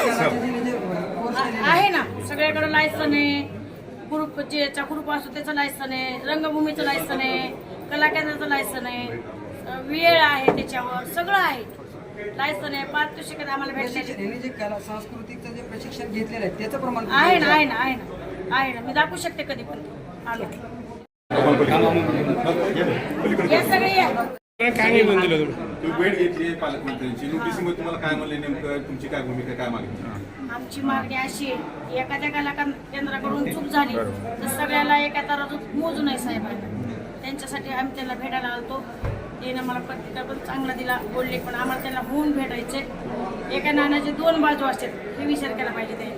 आहे ना, सगळ्याकडे लायसन आहे. ग्रुप ज्याचा ग्रुप असतो त्याचं लायसन आहे, रंगभूमीचं लायसन आहे, कला केंद्राचं लायसन आहे, वेळ आहे, त्याच्यावर सगळं आहे, लायसन आहे. पारितोषिक आम्हाला भेटले. जे कला सांस्कृतिकचं जे प्रशिक्षण घेतलेलं आहे त्याचं प्रमाण आहे ना, आहे ना, आहे ना, आहे ना. मी दाखवू शकते कधी पण आलो. या सगळे या. काय नाही म्हणलं तुम्ही भेट घेतली पालकमंत्र्यांची, नोटीसमध्ये तुम्हाला काय म्हणले, नेमकं तुमची काय भूमिका, काय मागणी? आमची मागणी अशी आहे, एखाद्या कला केंद्राकडून चूक झाली तर सगळ्याला एका तराजूत मोजू नये साहेबांना. त्यांच्यासाठी आम्ही त्यांना भेटायला आलतो. त्यानं मला पत्रिका पण चांगला दिला, बोलले, पण आम्हाला त्यांना होऊन भेटायचे. एका नाण्याचे दोन बाजू असतात हे विचार केला पाहिजे त्याने.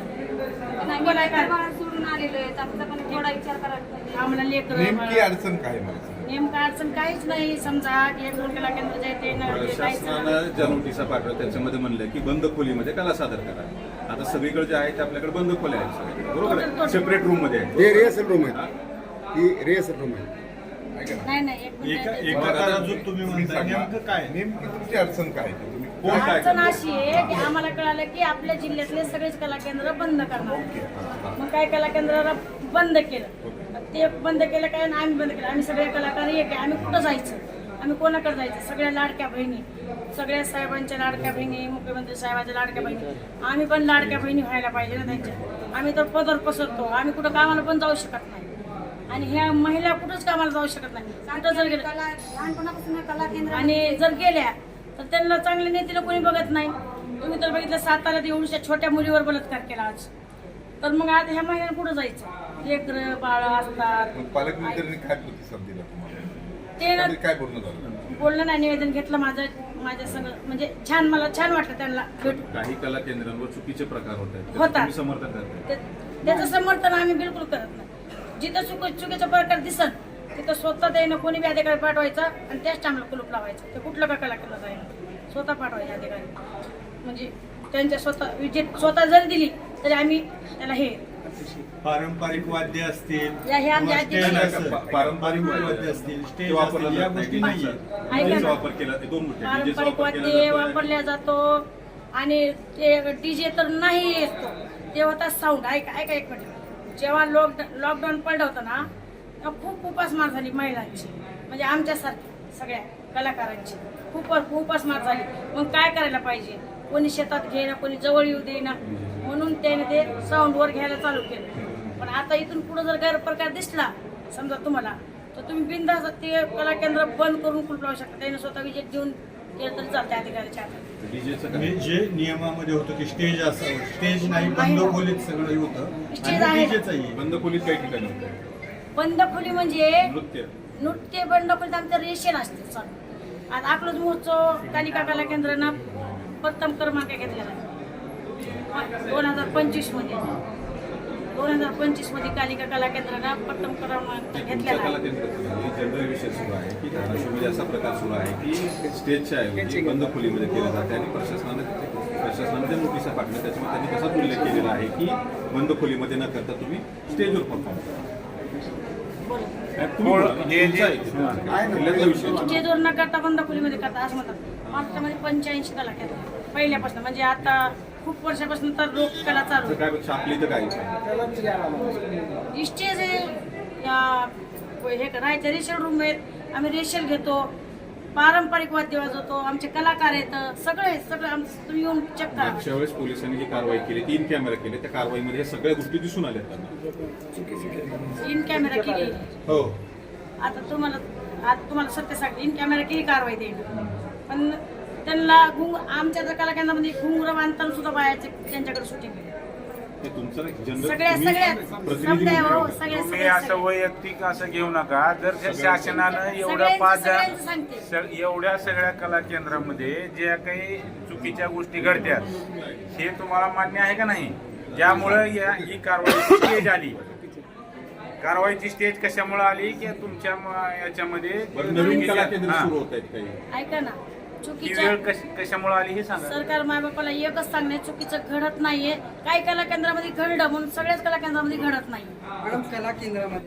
सोडून आलेलो आहे, आमचा पण थोडा विचार करायला पाहिजे. आम्हाला लेकर नेमकी अडचण काय मला? नेमका अडचण काहीच नाही. समजा एक दोन कला केंद्र जे ते शासनानं ज्या नोटिसा पाठवल्या त्याच्यामध्ये म्हणलं की बंद खोलीमध्ये कला सादर करा. आता सगळीकडे जे आहे ते आपल्याकडे बंद खोल्या आहेत सगळ्या, बरोबर आहे, सेपरेट रूम मध्ये आहे. हे रिहर्सल रूम आहे, ही रिहर्सल रूम आहे. नाही नाही, एक मिनिट. तुम्ही म्हणता नेमकं काय, नेमकी तुमची अडचण काय, तुम्ही कोण काय अडचण अशी आहे की आम्हाला कळालं की आपल्या जिल्ह्यातले सगळेच कला केंद्र बंद करणार. मग काय कला केंद्राला बंद केलं, ते बंद केलं काय, आम्ही बंद केलं. आम्ही सगळे कलाकार एक आहे, आम्ही कुठं जायचं, आम्ही कोणाकडे जायचं? सगळ्या लाडक्या बहिणी, सगळ्या साहेबांच्या लाडक्या बहिणी, मुख्यमंत्री साहेबांच्या लाडक्या बहिणी, आम्ही पण लाडक्या बहिणी व्हायला पाहिजे ना त्यांच्या. आम्ही तर पदर पसरतो, आम्ही कुठं कामाला पण जाऊ शकत नाही, आणि ह्या महिला कुठंच कामाला जाऊ शकत नाही. कुठं जर गेलं लहानपणापासून कला केंद्र आणि जर गेल्या तर त्यांना चांगले नेतेला कोणी बघत नाही. तुम्ही तर बघितलं साताऱ्यात एवढ्या छोट्या मुलीवर बलात्कार केला आज, तर मग आता ह्या महिन्यात कुठं जायचं? लेकरं बाळ असतात. पालकमंत्र्यांनी काय प्रतिसाद दिला तुम्हाला? ते ना काय बोलणं झालं? बोलणं नाही, निवेदन घेतलं माझ्या संग, म्हणजे छान, मला छान वाटलं त्यांना भेटून. काही कला केंद्रांवर चुकीचे प्रकार होत आहेत, होतात. तुम्ही समर्थन करताय? त्याचं समर्थन आम्ही बिलकुल करत नाही. जिथं चुकीचा प्रकार दिसत तिथं स्वतः त्यानं कोणी बी अधिकारी पाठवायचा आणि त्याच टाइमला कुलूप लावायचं. ते कुठलं का कला केलं जाईल, स्वतः पाठवायचे अधिकारी, म्हणजे त्यांच्या स्वतः जरी दिली तरी आम्ही त्याला हे पारंपरिक वाद्य असतील, हे आमच्या पारंपरिक वाद्य असतील, स्टेज वापरला असतील, या जात गोष्टी नाही. नाहीये. ऐका ना. वापर केला, ते दोन गोष्टी, पारंपरिक वाद्य वापरल्या जातो आणि ते डीजे तर नाही येतो, ते होता साऊंड. ऐका एक मिनिट. जेव्हा लॉकडाऊन पडलं होतं ना, तेव्हा खूप उपासमार झाली महिलांची, म्हणजे आमच्यासारखी सगळ्या कलाकारांची खूप उपासमार झाली. मग काय करायला पाहिजे? कोणी शेतात घेईना, कोणी जवळ येऊ देईना, म्हणून त्याने ते साऊंडवर घ्यायला चालू केलं. पण आता इथून पुढे जर गैरप्रकार दिसला समजा तुम्हाला, तर तुम्ही बिनधास्त ते कला केंद्र बंद करून कुलूप लावू शकता. त्याने स्वतः विजेत देऊन केलं तरी चालते अधिकाऱ्याच्या हातात. जे नियमामध्ये होतं की स्टेज असावं, स्टेज नाही, बंद खोलीत सगळं होतं. स्टेज आहे. बंद खोलीत काही ठिकाणी होतं. बंद खोली म्हणजे नृत्य बंद खोलीत आमचं रेशन असते चालू. आता अकलूज महोत्सव कालिका कला केंद्रानं प्रथम क्रमांक घेतलेला आहे 2025 मध्ये. 2025 मध्ये कालिका कला केंद्रानं प्रथम क्रमांक घेतलेला आहे. जनरल विषय सुरू आहे की धाराशिवमध्ये असा प्रकार सुरू आहे की स्टेजच्या ऐवजी बंद खोलीमध्ये केलं जाते, आणि प्रशासनाने ज्या नोटिसा पाठवल्या त्याच्यामध्ये त्यांनी तसाच उल्लेख केलेला आहे की बंद खोलीमध्ये न करता तुम्ही स्टेजवर परफॉर्म करा. स्टेजवर न करता बंद खोलीमध्ये करता असं म्हणतात. महाराष्ट्रामध्ये 85 कला केंद्र पहिल्यापासून, म्हणजे आता खूप वर्षापासून तर लोककला चालू काय छापली तर काय स्टेज आहे, हे राहायचं रेशल रूम आहेत, आम्ही रेशल घेतो, पारंपरिक वाद्य वाजवतो, आमचे कलाकार आहेत, सगळं आमचं तुम्ही येऊन चेक करा. मागच्या वेळेस पोलिसांनी जी कारवाई केली, 3 कॅमेरा केले, त्या कारवाईमध्ये हे सगळ्या गोष्टी दिसून आल्या त्यांना. 3 कॅमेरा केली. हो, आता तुम्हाला सत्य सांगते, 3 कॅमेरा केली कारवाई देईल, पण त्यांना आमच्या जर कला केंद्रामध्ये घुंगरं बांधताना सुद्धा बायाचे त्यांच्याकडे शूटिंग ते तुमचं सगळ्या तुम्ही असं वैयक्तिक असं घेऊ नका. जर शासनानं एवढ्या सगळ्या कला केंद्रामध्ये ज्या काही चुकीच्या गोष्टी घडत्यात हे तुम्हाला मान्य आहे का नाही? ज्यामुळं ही कारवाईची स्टेज आली. कारवाईची स्टेज कशामुळे आली की तुमच्या याच्यामध्ये नवीन कला केंद्र सुरू होत आहेत काही. ऐका ना, ही वेळ कशामुळे आली हे सांगा. सरकार मायबापाला एकच सांगणे, चुकीचं घडत नाहीये. काही कला केंद्रामध्ये घडलं म्हणून सगळ्याच कला केंद्रामध्ये घडत नाही. मॅडम, कला केंद्रामध्ये